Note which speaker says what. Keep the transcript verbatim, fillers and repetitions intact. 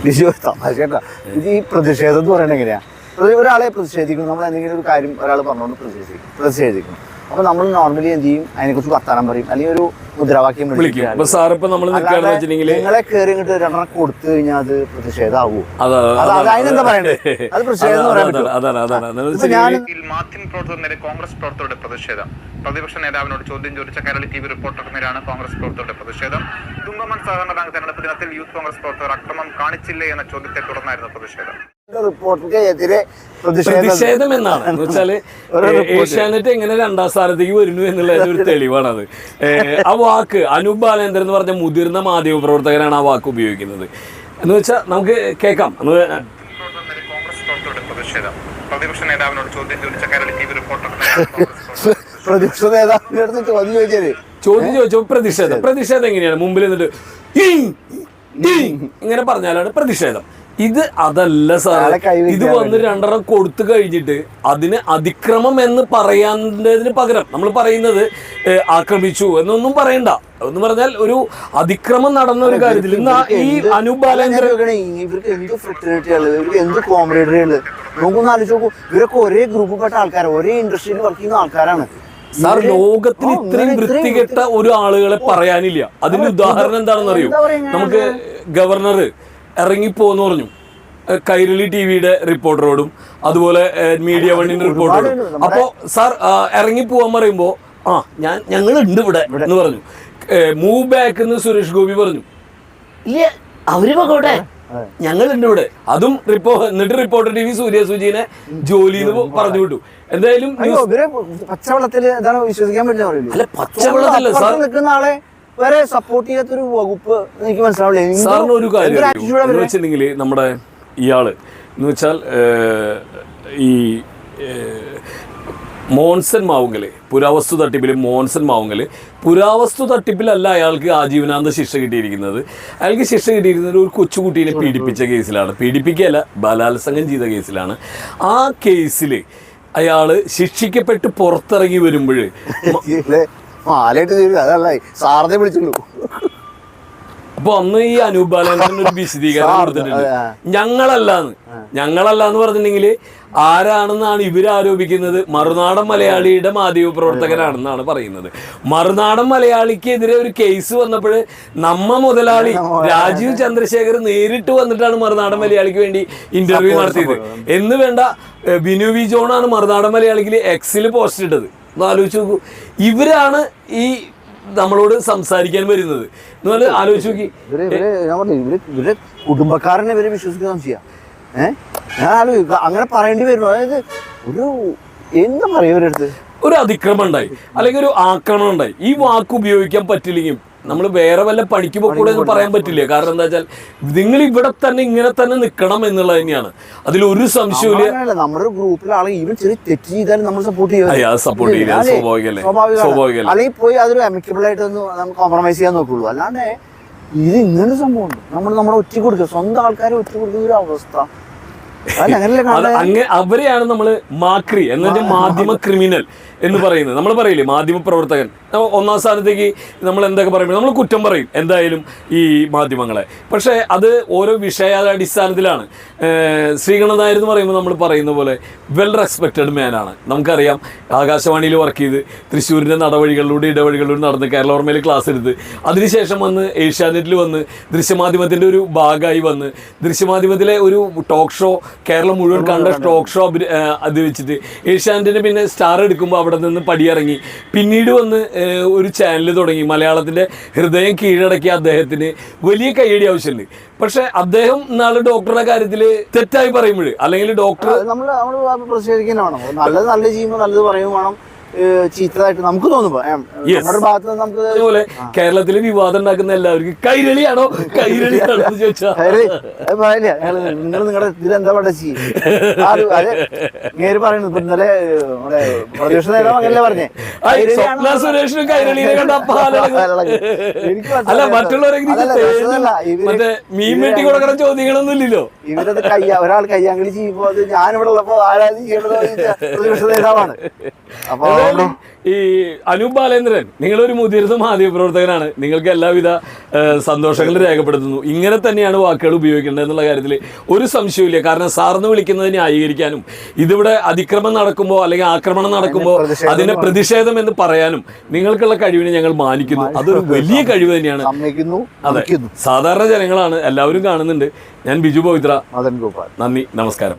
Speaker 1: കേട്ടാ. ഇത് ഈ പ്രതിഷേധം എന്ന് പറയുന്നത് എങ്ങനെയാ? ഒരാളെ പ്രതിഷേധിക്കണം, നമ്മൾ എന്തെങ്കിലും ഒരു കാര്യം ഒരാൾ പറഞ്ഞുകൊണ്ട് പ്രതിഷേധിക്കും പ്രതിഷേധിക്കണം അപ്പൊ നമ്മൾ നോർമലി എന്ത് ചെയ്യും, അതിനെക്കുറിച്ച് വർത്താനം പറയും, അല്ലെങ്കിൽ ഒരു മുദ്രാവാക്യം വിളിക്കും. നിങ്ങളെ കയറി ഇങ്ങോട്ട് രണ്ടെണ്ണം കൊടുത്തു കഴിഞ്ഞാൽ അത് പ്രതിഷേധമാവൂ? അതിനെന്താ പറയണ്ടേ? അത് പ്രതിഷേധം
Speaker 2: മാധ്യമ പ്രവർത്തകരുടെ കോൺഗ്രസ് പ്രവർത്തകരുടെ പ്രതിഷേധം. പ്രതിപക്ഷ നേതാവിനോട് ചോദ്യം ചോദിച്ച കേരള ടി വി റിപ്പോർട്ടർക്കെതിരെയാണ് കോൺഗ്രസ് പ്രവർത്തകരുടെ പ്രതിഷേധം. തുമ്പമൺ സഹകരണ ബാങ്ക് തെരഞ്ഞെടുപ്പ് ദിനത്തിൽ യൂത്ത് കോൺഗ്രസ് പ്രവർത്തകർ അക്രമം കാണിച്ചില്ലേ എന്ന ചോദ്യത്തെ തുടർന്നായിരുന്നു പ്രതിഷേധം.
Speaker 1: റിപ്പോർട്ടിനെതിരെ
Speaker 3: പ്രതിഷേധം എന്നാണ് വെച്ചാല് ഏഷ്യാനെറ്റ് എങ്ങനെ രണ്ടാം സ്ഥാനത്തേക്ക് വരുന്നു എന്നുള്ള ഒരു തെളിവാണത്. ആ വാക്ക് അനൂപ് ബാലേന്ദ്രൻ എന്ന് പറഞ്ഞ മുതിർന്ന മാധ്യമ പ്രവർത്തകരാണ് ആ വാക്ക് ഉപയോഗിക്കുന്നത് എന്ന് വെച്ചാൽ നമുക്ക് കേൾക്കാം.
Speaker 2: കോൺഗ്രസ് പ്രവർത്തകരുടെ പ്രതിഷേധം. പ്രതിപക്ഷ നേതാവിനോട് ചോദ്യം ചോദിച്ച കേരള ടി വി റിപ്പോർട്ടർ
Speaker 1: പ്രതിപക്ഷ നേതാവിന്റെ അടുത്ത് ചോദ്യം ചോദിച്ചത്
Speaker 3: ചോദ്യം ചോദിച്ചോ പ്രതിഷേധം. പ്രതിഷേധം എങ്ങനെയാണ്? മുമ്പിൽ നിന്നിട്ട് ഇങ്ങനെ പറഞ്ഞാലാണ് പ്രതിഷേധം. ഇത് അതല്ല സാർ. ഇത് വന്ന് രണ്ടെണ്ണം കൊടുത്തു കഴിഞ്ഞിട്ട് അതിന് അതിക്രമം എന്ന് പറയാന്നതിന് പകരം നമ്മൾ പറയുന്നത് ആക്രമിച്ചു എന്നൊന്നും പറയണ്ട. എന്ന് പറഞ്ഞാൽ ഒരു അതിക്രമം നടന്ന ഒരു കാര്യത്തിൽ ഈ അനൂപ് ബാലേന്ദ്രൻ
Speaker 1: ഇവർക്ക് എന്ത് ഫ്രറ്റേണിറ്റിയാണ്, ഇവർക്ക് എന്ത് കോംറേഡറിയാണ്. നമുക്കൊന്ന് ആലോചിച്ച് നോക്കൂ, ഇവരൊക്കെ ഒരേ ഗ്രൂപ്പിൽപ്പെട്ട ആൾക്കാരാണ്, ഒരേ ഇൻഡസ്ട്രിയിൽ വർക്ക് ചെയ്യുന്ന ആൾക്കാരാണ്.
Speaker 3: സാർ, ലോകത്തിൽ ഇത്രയും വൃത്തികെട്ട ഒരു ആളുകളെ പറയാനില്ല. അതിന്റെ ഉദാഹരണം എന്താണെന്ന് അറിയൂ? നമുക്ക് ഗവർണർ ഇറങ്ങിപ്പോന്ന് പറഞ്ഞു കൈരളി ടി വിയുടെ റിപ്പോർട്ടറോടും അതുപോലെ മീഡിയ വണ്ണിന്റെ റിപ്പോർട്ടറോടും. അപ്പോ സാർ ഇറങ്ങിപ്പോവാൻ പറയുമ്പോ ആ ഞാൻ ഞങ്ങളുണ്ട് ഇവിടെ എന്ന് പറഞ്ഞു. മൂവ് ബാക്ക് എന്ന് സുരേഷ് ഗോപി പറഞ്ഞു. ഇല്ല അവര് പോകട്ടെ, ഞങ്ങളുണ്ട് ഇവിടെ. അതും റിപ്പോ എന്നിട്ട് റിപ്പോർട്ടർ ടി വി സൂര്യ സുജീനെ ജോലിന്ന് പറഞ്ഞു വിട്ടു. എന്തായാലും
Speaker 1: പച്ചവെള്ളത്തിൽ വിശ്വസിക്കാൻ പറ്റില്ല.
Speaker 3: അല്ല പച്ചവെള്ളത്തില്ല സാർ,
Speaker 1: നിൽക്കുന്ന ആളെ വരെ സപ്പോർട്ട് ചെയ്യാത്തൊരു വകുപ്പ് എനിക്ക് മനസ്സിലാവില്ല.
Speaker 3: സാറിന് ഒരു കാര്യം വെച്ചിട്ടുണ്ടെങ്കിൽ നമ്മുടെ ഇയാള് എന്ന് വെച്ചാൽ ഈ മോൻസൺ മാവുങ്കല് പുരാവസ്തു തട്ടിപ്പിൽ മോൻസൺ മാവുങ്കല് പുരാവസ്തു തട്ടിപ്പിലല്ല അയാൾക്ക് ആജീവനാന്ത ശിക്ഷ കിട്ടിയിരിക്കുന്നത്. അയാൾക്ക് ശിക്ഷ കിട്ടിയിരിക്കുന്നത് ഒരു കൊച്ചുകുട്ടീനെ പീഡിപ്പിച്ച കേസിലാണ്. പീഡിപ്പിക്കുകയല്ല, ബലാത്സംഗം ചെയ്ത കേസിലാണ്. ആ കേസിൽ അയാൾ ശിക്ഷിക്കപ്പെട്ട് പുറത്തിറങ്ങി വരുമ്പോൾ
Speaker 1: സാറിനെ വിളിച്ചുള്ളൂ.
Speaker 3: അപ്പൊ അന്ന് ഈ അനൂപ് ബാലേന്ദ്രൻ ഒരു വിശദീകരണം കൊടുത്തിട്ടുണ്ട്. ഞങ്ങളല്ലാന്ന് ഞങ്ങളല്ലാന്ന് പറഞ്ഞിട്ടുണ്ടെങ്കിൽ ആരാണെന്നാണ് ഇവർ ആരോപിക്കുന്നത്? മറുനാടൻ മലയാളിയുടെ മാധ്യമ പ്രവർത്തകനാണെന്നാണ് പറയുന്നത്. മറുനാടൻ മലയാളിക്കെതിരെ ഒരു കേസ് വന്നപ്പോൾ നമ്മ മുതലാളി രാജീവ് ചന്ദ്രശേഖർ നേരിട്ട് വന്നിട്ടാണ് മറുനാടൻ മലയാളിക്ക് വേണ്ടി ഇന്റർവ്യൂ നടത്തിയത്. എന്ന് വേണ്ട ബിനു വി ജോണാണ് മറുനാടൻ മലയാളിക്ക് എക്സിൽ പോസ്റ്റ് ഇട്ടത്. ഒന്ന് ആലോചിച്ച് നോക്കൂ, ഇവരാണ് ഈ നമ്മളോട് സംസാരിക്കാൻ വരുന്നത്. എന്ന് ആലോചിച്ച് നോക്കി,
Speaker 1: ഇവര് കുടുംബക്കാരനെ ഇവരെ വിശ്വസിക്കാൻ ചെയ്യാം. ഏഹ് ഞാൻ ആലോചിക്കുക അങ്ങനെ പറയേണ്ടി വരുന്നു. അതായത് ഒരു എന്താ പറയുക, ഇവരടുത്ത്
Speaker 3: ഒരു അതിക്രമം ഉണ്ടായി അല്ലെങ്കിൽ ഒരു ആക്രമണം ഉണ്ടായി. ഈ വാക്ക് ഉപയോഗിക്കാൻ പറ്റില്ലെങ്കിൽ നമ്മൾ വേറെ വല്ല പണിക്ക് പോകൂടെ എന്ന് പറയാൻ പറ്റില്ല. കാരണം എന്താ വെച്ചാൽ നിങ്ങൾ ഇവിടെ തന്നെ ഇങ്ങനെ തന്നെ നിൽക്കണം എന്നുള്ളത് തന്നെയാണ്. അതിലൊരു സംശയമില്ല.
Speaker 1: നമ്മുടെ ഗ്രൂപ്പിലെ ആളെ ഈവൻ ചെറിയ തെറ്റ് ചെയ്താലും നമ്മൾ സപ്പോർട്ട്
Speaker 3: ചെയ്യാം സപ്പോർട്ട് ചെയ്യാം സ്വാഭാവികല്ലേ സ്വാഭാവികല്ലേ
Speaker 1: അല്ലെങ്കിൽ പോയി അതൊരു അമിക്കബിൾ ആയിട്ട് ഒന്ന് നമുക്ക് കോംപ്രമൈസ് ചെയ്യാൻ നോക്കുള്ളൂ. അല്ലാണ്ട് ഇത് ഇങ്ങനൊരു സംഭവമുണ്ട്. നമ്മൾ നമ്മളെ ഒറ്റ കൊടുക്കുക, സ്വന്തം ആൾക്കാരെ ഒറ്റ കൊടുക്കുന്ന ഒരു അവസ്ഥ.
Speaker 3: അങ്ങനെ അവരെയാണ് നമ്മൾ മാക്രി എന്നുവെച്ച മാധ്യമ ക്രിമിനൽ എന്ന് പറയുന്നത്. നമ്മൾ പറയില്ലേ മാധ്യമ പ്രവർത്തകൻ ഒന്നാം സ്ഥാനത്തേക്ക് നമ്മൾ എന്തൊക്കെ പറയുമ്പോൾ നമ്മൾ കുറ്റം പറയും എന്തായാലും ഈ മാധ്യമങ്ങളെ. പക്ഷേ അത് ഓരോ വിഷയാടിസ്ഥാനത്തിലാണ്. ശ്രീകണ്ഠൻ നായർ എന്ന് പറയുമ്പോൾ നമ്മൾ പറയുന്ന പോലെ വെൽ റെസ്പെക്റ്റഡ് മാനാണ്. നമുക്കറിയാം ആകാശവാണിയിൽ വർക്ക് ചെയ്ത് തൃശ്ശൂരിൻ്റെ നടവഴികളിലൂടെ ഇടവഴികളിലൂടെ നടന്ന് കേരളോർമയിൽ ക്ലാസ് എടുത്ത് അതിനുശേഷം വന്ന് ഏഷ്യാനെറ്റിൽ വന്ന് ദൃശ്യമാധ്യമത്തിൻ്റെ ഒരു ഭാഗമായി വന്ന് ദൃശ്യമാധ്യമത്തിലെ ഒരു ടോക്ക് ഷോ കേരളം മുഴുവൻ കണ്ട ടോക്ക് ഷോ അത് വെച്ചിട്ട് ഏഷ്യാനെറ്റിന് പിന്നെ സ്റ്റാർ എടുക്കുമ്പോൾ അവിടെ നിന്ന് പടിയിറങ്ങി പിന്നീട് വന്ന് ഒരു ചാനൽ തുടങ്ങി. മലയാളത്തിൻ്റെ ഹൃദയം കീഴടക്കിയ അദ്ദേഹത്തിന് വലിയ കയ്യടി ആവശ്യമുണ്ട്. പക്ഷെ അദ്ദേഹം നാളെ ഡോക്ടറുടെ കാര്യത്തിൽ തെറ്റായി പറയുമ്പോൾ അല്ലെങ്കിൽ ഡോക്ടർ
Speaker 1: നമ്മൾ നമ്മൾ പ്രതിഷേധിക്കാൻ വേണം. നല്ലത് നല്ല ചെയ്യുമ്പോൾ നല്ലത് പറയുമ്പോൾ വേണം, ചീത്തതായിട്ട് നമുക്ക് തോന്നുമ്പോ നമ്മുടെ ഭാഗത്ത് നിന്ന് നമുക്ക്
Speaker 3: അതുപോലെ കേരളത്തില് വിവാദം ഉണ്ടാക്കുന്ന എല്ലാവർക്കും കൈരളിയാണോ കൈരളിയാണോ എന്ന് ചോദിച്ചാൽ
Speaker 1: നിങ്ങൾ നിങ്ങളുടെ ഇതിലെന്താ പഠിച്ചി നേര് പറയുന്നു. ഇപ്പൊ ഇന്നലെ പ്രതിപക്ഷ നേതാവ് അങ്ങനല്ലേ പറഞ്ഞേ
Speaker 3: സ്വപ്ന സുരേഷിനും കൈരളിയെ കണ്ട അല്ല മറ്റുള്ളവരെങ്കിലും മറ്റേ മീൻ വെട്ടി കൊടുക്കണ ചോദ്യങ്ങളൊന്നും ഇല്ലല്ലോ.
Speaker 1: ഇവരത് കയ്യ ഒരാൾ കയ്യാങ്കളി ചെയ്യുമ്പോ അത് ഞാനിവിടെ ഉള്ളപ്പോ ആരാധന ചെയ്യണത് പ്രതിപക്ഷ നേതാവാണ്. അപ്പൊ
Speaker 3: എന്തായാലും ഈ അനൂപ് ബാലേന്ദ്രൻ, നിങ്ങളൊരു മുതിർന്ന മാധ്യമപ്രവർത്തകനാണ്. നിങ്ങൾക്ക് എല്ലാവിധ സന്തോഷങ്ങളും രേഖപ്പെടുത്തുന്നു. ഇങ്ങനെ തന്നെയാണ് വാക്കുകൾ ഉപയോഗിക്കേണ്ടത് എന്നുള്ള കാര്യത്തിൽ ഒരു സംശയമില്ല. കാരണം സാറിന് വിളിക്കുന്നത് ന്യായീകരിക്കാനും ഇതിവിടെ അതിക്രമം നടക്കുമ്പോൾ അല്ലെങ്കിൽ ആക്രമണം നടക്കുമ്പോൾ അതിന്റെ പ്രതിഷേധം എന്ന് പറയാനും നിങ്ങൾക്കുള്ള കഴിവിനെ ഞങ്ങൾ മാനിക്കുന്നു. അതൊരു വലിയ കഴിവ് തന്നെയാണ്. അതെ, സാധാരണ ജനങ്ങളാണ്, എല്ലാവരും കാണുന്നുണ്ട്. ഞാൻ ബിജു പവിത്ര. നന്ദി, നമസ്കാരം.